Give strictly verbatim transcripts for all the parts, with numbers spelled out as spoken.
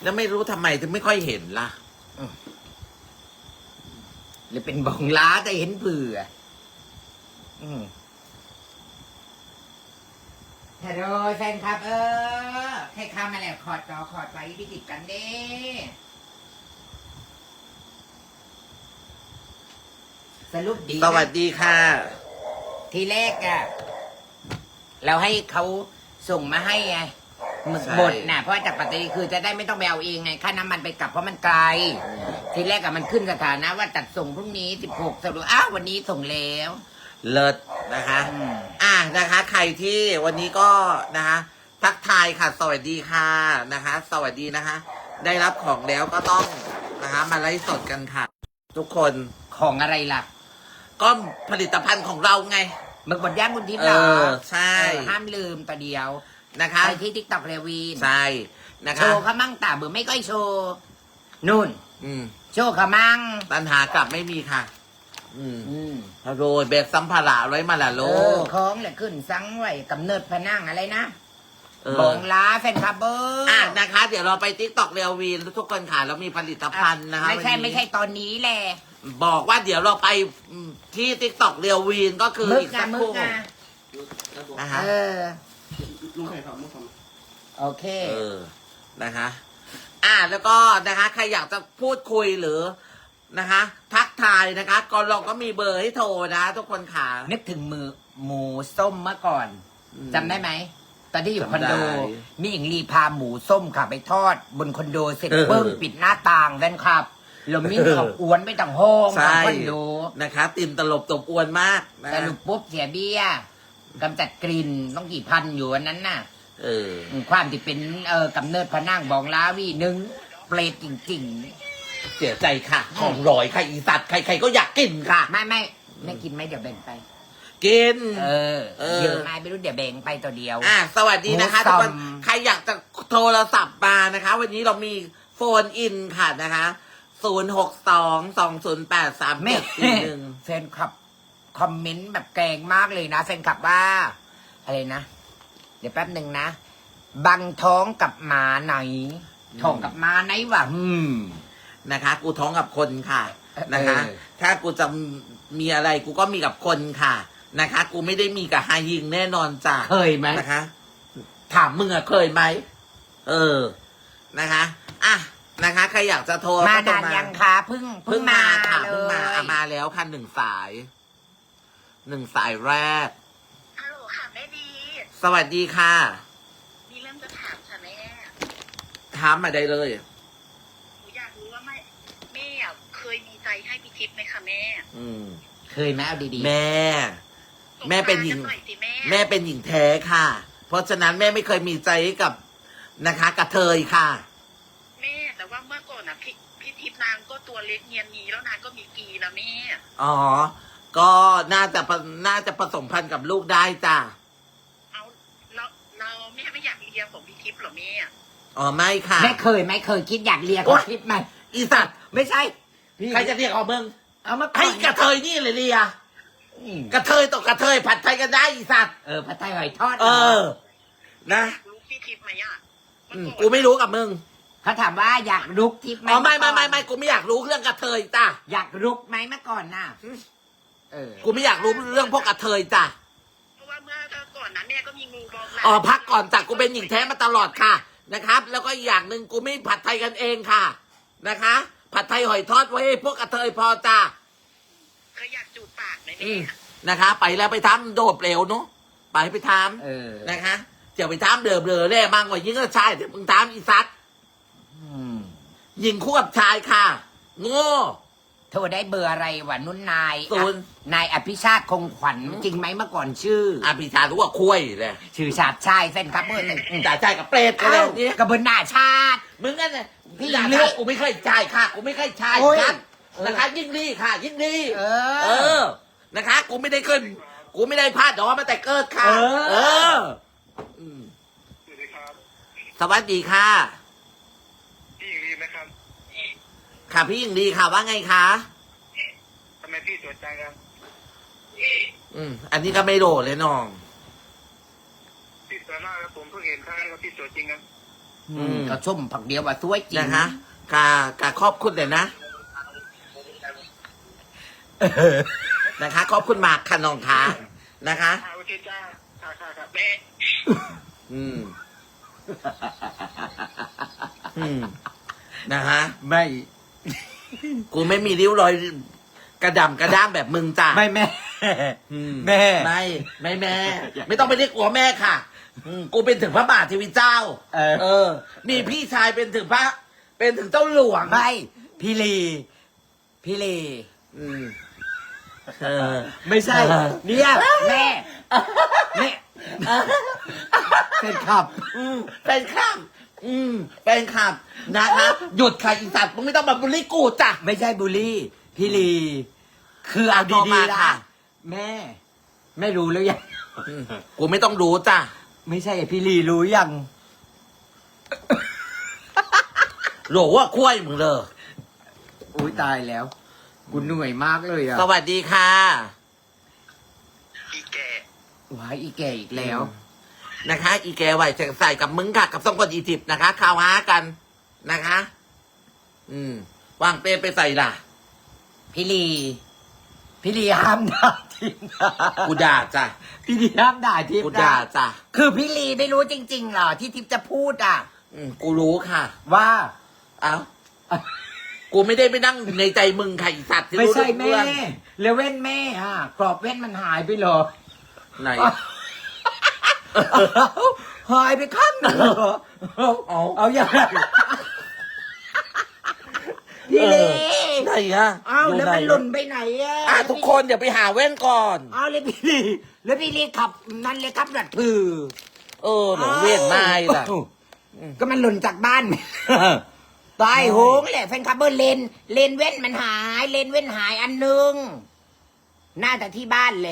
แล้วไม่รู้ทำไมถึงไม่ค่อยเห็นล่ะหรือเป็นบองล้าแต่เห็นเผื่ออืมฮัลโหลแฟนครับ เออใครเข้ามาแล้วขอดจอขอดไว้พี่ติดกันเด้สรุปดีนะสวัสดีค่ะทีแรกอะเราให้เขาส่งมาให้ไงหมึกใช่บดน่ะเพราะว่าจากปัตตานีคือจะได้ไม่ต้องไปเอาเองไงค่าน้ำมันไปกลับเพราะมันไกล ทีแรกอะมันขึ้นสถานะว่าจัดส่งพรุ่งนี้สิบหกสรุปอ้าววันนี้ส่งแล้วเลิศนะคะอืมอ่ะนะคะ ใครที่วันนี้ก็นะคะ ทักทายค่ะ สวัสดีค่ะนะคะ สวัสดีนะคะ ได้รับของแล้วก็ต้องนะคะมาไลฟ์สดกันค่ะ ทุกคนของอะไรล่ะก็ผลิตภัณฑ์ของเราไงหมึกบดย่างคุณทิพย์เอเหรออใช่เออห้ามลืมตัวเดียวนะคะไปที่ทิกตอกเรวีนใช่นะโชคะว์เขามั่งตาเบื่อไม่ก้อยโชว์นู่นอืมโชว์เขามั่งปัญหากลับไม่มีค่ะ อืมอืมโรยเบสสัมภาระไว้มาละโลเออของแหละขึ้นสังไว้กำเนิดพนังอะไรนะเออบองล้าแฟนคลับเบอร์อ่ะนะคะ เดี๋ยวเราไปติ๊กต็อกเรียววีนทุกคนค่ะเรามีผลิตภัณฑ์นะคะไม่ใช่วันนี้ไม่ใช่ตอนนี้แหละบอกว่าเดี๋ยวเราไปที่ติ๊กต็อกเรียววีนก็คือมึกอีกอะสักมึครู่กอะนะคะเออลุงไข่ทำลุงทโอเคเออนะคะ อ่ะแล้วก็นะคะ ใครอยากจะพูดคุยหรือนะคะ ทักทายนะคะก็เราก็มีเบอร์ให้โทรนะทุกคนค่ะนึกถึงมือหมูส้มเมื่อก่อนอืมจำได้ไหมตอนที่อยู่คอนโดจำได้มีหญิงลีพาหมูส้มค่ะไปทอด บนคอนโดเสร็จเออเบิ้งปิดหน้าต่างแฟนคลับแล้วมิ่งเขาอวนไปต่างห้องใช่ต่างคอนโดนะคะติ่มตลบตบอวนมากนะสรุปปุ๊บเสียเบี้ยกำจัดกลิ่นต้องกี่พันอยู่วันนั้นน่ะเออความที่เป็นเอ่อกำเนิดพระนางบองล้าวีหนึ่งเปรตจริงเสียใจค่ะ ของรอยค่ะอีสัตว์ใครๆก็อยากกินค่ะๆ ไม่ไม่ไม่กินไหมเดี๋ยวแบ่งไปกินเออเออเยอะไหมไม่รู้เดี๋ยวแบ่งไปตัวเดียวอ่ะสวัสดีนะคะหมูทุกสัคนมใครอยากจะโทรศัพท์มานะคะ วันนี้เรามีโฟนอินค่ะนะคะศูนย์หกสองสองศูนย์แปดสามแม่เจ็ดสี่หนึ่งแฟนคลับคอมเมนต์แบบแกล้งมากเลยนะแฟนคลับว่า อะไรนะ เดี๋ยวแป๊บหนึ่งนะ บังท้องกับหมาไหนท้องกับหมาไหนวะอืมนะคะ กูท้องกับคนค่ะเออนะคะ ถ้ากูจะมีอะไรกูก็มีกับคนค่ะนะคะ กูไม่ได้มีกับฮายิงแน่นอนจ้ะเคยไหมนะคะ ถามมึงอะเคยไหมเออนะคะอ่ะนะคะ ใครอยากจะโทรมาก็โทรนานยังคะเพิ่งเพิ่งมาค่ะเลเพิ่งมาอ่ะยมาแล้วค่ะหนึ่งสายหนึ่งสายแรกฮัลโหลค่ะแม่ดีสวัสดีค่ะมีเรื่องจะถามค่ะแม่ถามมาได้เลยหนูอยากรู้ว่าแม่แม่อะเคยมีใจให้พี่ทิพย์ไหมคะแม่อืมเคยไหมเอาดีแม่ แม่เป็นหญิงสบตากัหน่อยสิแม่แม่เป็นหญิงแท้ค่ะ เพราะฉะนั้นแม่ไม่เคยมีใจให้กับนะคะกระเทยค่ะแม่แต่ว่าเมื่อก่อนนะพี่พี่ทิพย์นางก็ตัวเล็กเนียนนีแล้วนางก็มีกีนะแม่อ๋อ ก็น่าจะผน่าจะผสมพันธุ์กับลูกได้จ้ะเอาเราเราแม่ไม่อยากเลียของพี่ทิพย์เหรอแม่อ๋อไม่ค่ะๆไม่เคยไหม่เคยคิดอยากเรียกโอ๊ยคิดไหมอีสัตว์ไม่ใช่ใครจะเรียกเอามึงเอามาก่อนให้กระเทยนี่เลยเรียอืมกระเทยต่อกระเทยผัดไทยกันได้อีสัตว์เออผัดไทยหอยทอดเออ นะรู้พี่ทิพย์ไหมอ่ะอืมกูไม่รู้กับมึงเขาถามว่าอยากรุกทิพย์ไหมอ๋อไม่ไม่เอไม่ก่อนไม่กูไม่อยากรู้เรื่องกระเทยจ้ะอยากรุกไหมเมื่อก่อนน่ะเออกูไม่อยากรู้เรื่องพวกกระเทยจ้ะเพราะว่าเมื่อก่อนนั้นแม่ก็มีงูบองหลาอ๋อพักก่อนจ้ะกูเป็นหญิงแท้มาตลอดค่ะนะครับ แล้วก็อีกอย่างหนึ่งกูไม่ผัดไทยกันเองค่ะนะคะ ผัดไทยหอยทอดไว้ให้พวกกระเทยพอจ้ะเคยอยากจูบปากไหมอืแม่มนะคะ ไปแล้วไปทำโดดเปลวเนาะไปไปทเออำนะคะเดี๋ยวไปทำเดือบเดือแร่มากกว่ายิ่งก็ชายเดี๋ยวมึงทำอีสัตว์อืมยิงคู่กับชายค่ะโง่โทรได้เบอร์อะไรวะนุ่นนายศูนย์นายอภิชาติคงขวัญจริงไหมเมื่อก่อนชื่ออภิชารู้ว่าคุยเลยชื่อชาติชายเส้นครับเบอร์หนึ่งจ่ายชายกับเปรตกันเลยนี่กระเบนหน้าชาติมึงนั่นน่ะพี่พี่ด่าเลืชาอกกูไม่เคยจ่ายค่ะ กูไม่เคยจ่ายโอ้ยกันนะคะ ยิ่งดีค่ะ ยิ่งดีเอเอออ นะคะ กูไม่ได้ขึ้น กูไม่ได้พลาดดอกมาแต่เกิดค่ะเออเอออืมสวัสดีครับสวัสดีค่ะพี่หญิงลีไหมครับค่ะพี่ยิ่งดีค่ะว่าไงคะทำไมพี่สวยจังครับอืม อันนี้ก็ไม่โดดเลยน้องพี่สวยมากครับผมเพิ่งเห็นครั้งแรกว่าพี่สวยจริงครับอืมก็ชมผักเดียวว่าสวยจริงนะคะกากาขอบคุณเลยนะนะคะขอบคุณมากค่ะน้องคะนะคะค่ะโอเคจ้าค่ะค่ะค่ะแม่อืม อืมนะคะไม่กูไม่มีริ้วรอยกระดำกระด้างแบบมึงจ้ะไม่แม่อืมแม่ไม่ไม่แม่ ไม่ต้องไปเรียกกูว่าแม่ค่ะ อืมกูเป็นถึงพระบาทเทวีเจ้าเออเออ มีพี่ชายเป็นถึงพระ เป็นถึงเจ้าหลวงไม่พี่ลีพี่ลีอืมเออไม่ใช่เออเนี่ยแม่แม่เป็นขับอืมเป็นข้ามอืมเป็นข้ามนะคะหยุดค่ะอีสัตว์มึงไม่ต้องมาบูลลี่กูจ้ะไม่ใช่บุลี่พี่ลีคือเอาต่อดีมาๆนะค่ะแม่ ไม่รู้แล้วยังอืมกูไม่ต้องรู้จ้ะไม่ใช่พี่ลีรู้ยังโหลว่าคุ้ยมึงเลยอุ้ยตายแล้วกูเหนื่อยมากเลยอ่ะสวัสดีค่ะอีแก่ว้ายอีแก่อีกแล้วนะคะ อีแกไหวใส่กับมึงค่ะ กับสองคนอีทิปต์นะคะข่าวหากันนะคะ อืมวางเปรย์ไปใส่ล่ะพี่ลีพี่ลีห้ามด่าทิพย์นะกูด่าจ้ะพี่ลีห้ามด่าทิพกูย์นะด่าจ้ะคือพี่ลีไม่รู้จริงๆเหรอที่ทิพย์จะพูดอ่ะอืมกูรู้ค่ะว่าเอ้ากูไม่ได้ไปนั่งในใจมึงค่ะอีสัตว์ที่ไม่รู้ใช่เรื่แม่องแล้วเว้นแม่อ่ะกรอบเว้นมันหายไปเหรอไหนหายไปข้างหนึ่งเหรอเอาเอาเอาอย่างไรพี่ลีไหนอะเอาแล้วมันหล่นไปไหนอ่ะอ่ะทุกคนเดี๋ยวไปหาแว่นก่อนเอาเลยพี่ลีแล้วพี่ลีขับนั่นเลยครับดัดพือเออหนูเวียนไม้ล่ะอ้าวก็มันหล่นจากบ้าน ตายโหงแหละแฟนคลับเบอร์เลนเลนเว้นมันหาย เลนเว้นหายอันหนึงน่าจะที่บ้านแหละ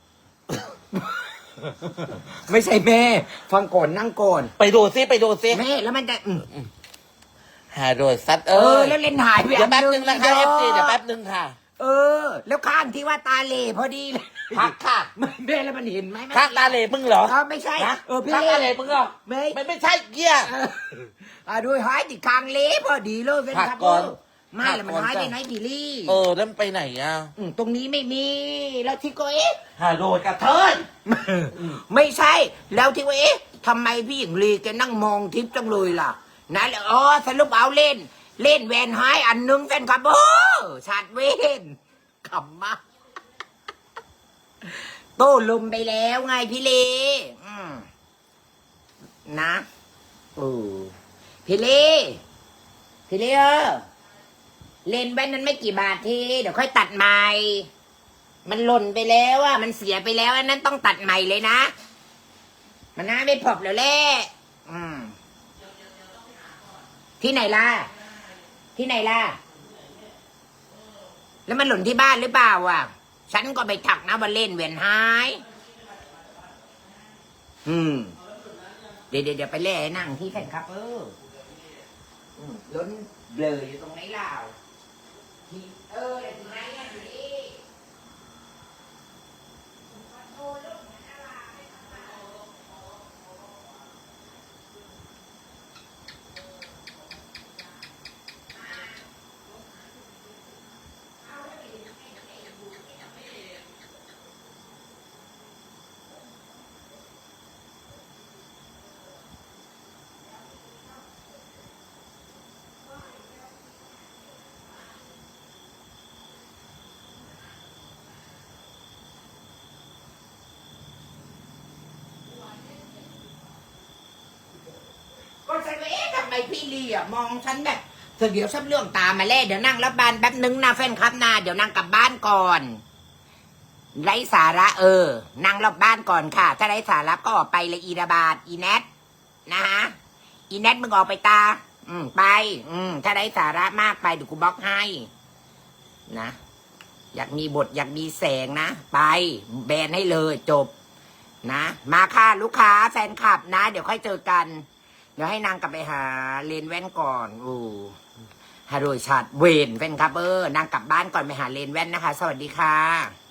ไม่ใช่แม่ ฟังก่อนนั่งก่อนไปดูซิไปดูซิแม่แล้วมันจะอืมหาโดยซัดเอเอออแล้วเลนหายไปเดี๋ยวแป๊บนึงนะคะอัเอฟซีดีเดี๋ยวแป๊บนึงค่ะเออ แล้วข้างที่ว่าตาเหล่พอดีเลยพักค่ะไม่แม่แล้วมันเห็นไหมข้างตาเหล่มึงเหรอเออไม่ใช่นะเออพี่ข้างตาเหล่มึงเหรอไม่ไม่ไม่ใช่เกียร์เอออ่ะดูหายที่คางเละพอดีเลยเป็นพักครับก่อนไม่แล้วมันพักก่อนหายไปจ้ะไหนพี่ลี่เออแล้วมันไปไหนอ่ะมตรงนี้ไม่มี แล้วที่ก็เอ๊ะหาโดยกระเทยไม่ใช่ แล้วที่ว่าเอ๊ะทำไมพี่หญิงลีแกนั่งมองทิพย์จังเลยล่ะนะแล้วอ๋อสรุปเอาเล่น เล่นแวนหายอันหนึงแฟนครับโอ้ชาดเวนขำมากโต้ลมไปแล้วไงพี่ลีอืมนะเออพี่ลีพี่ลีเออเล่นแว่นนั้นไม่กี่บาททีเดี๋ยวค่อยตัดใหม่ มันหล่นไปแล้วอะมันเสียไปแล้วอันนั้นต้องตัดใหม่เลยนะ มันน่าไม่พอบแล้วแหละอืมที่ไหนล่ะ ที่ไหนล่ะ แล้วมันหล่นที่บ้านหรือเปล่าอ่ะ ฉันก็ไปถักนะว่าเล่นเวียนหาย อืม เดี๋ยวเดี๋ยวไปเล่ให้นั่งที่แฟนครับเอออืมล้นเบลออยู่ตรงไหนล่ะที่เออเดี๋ยวที่ไหนอ่ะอยู่นี่ ก็ฉันว่าเอ๊ะทำไมพี่ลีอ่ะมองฉันแบบเดี๋ยวฉันเรื่องตามมาแล้วเดี๋ยวนั่งรับบานแป๊บนึงนะแฟนครับนะเดี๋ยวนั่งกลับบ้านก่อนไร้สาระเออ นั่งรอบบ้านก่อนค่ะ ถ้าไร้สาระก็ออกไปเลยอีระบาดอีแนทนะฮะอีแนทมึงออกไปตา อืมไป อืมถ้าไร้สาระมากไปเดี๋ยวกูบล็อกให้นะอยากมีบทอยากมีแสงนะไปแบนให้เลยจบนะมาค่ะลูกค้าแฟนคลับนะ เดี๋ยวค่อยเจอกัน เดี๋ยวให้นางกลับไปหาเลนแว่นก่อนโอ้ฮาโดยชัดเวนแฟนครับเออนางกลับบ้านก่อนไปหาเลนแว่นนะคะ สวัสดีค่ะ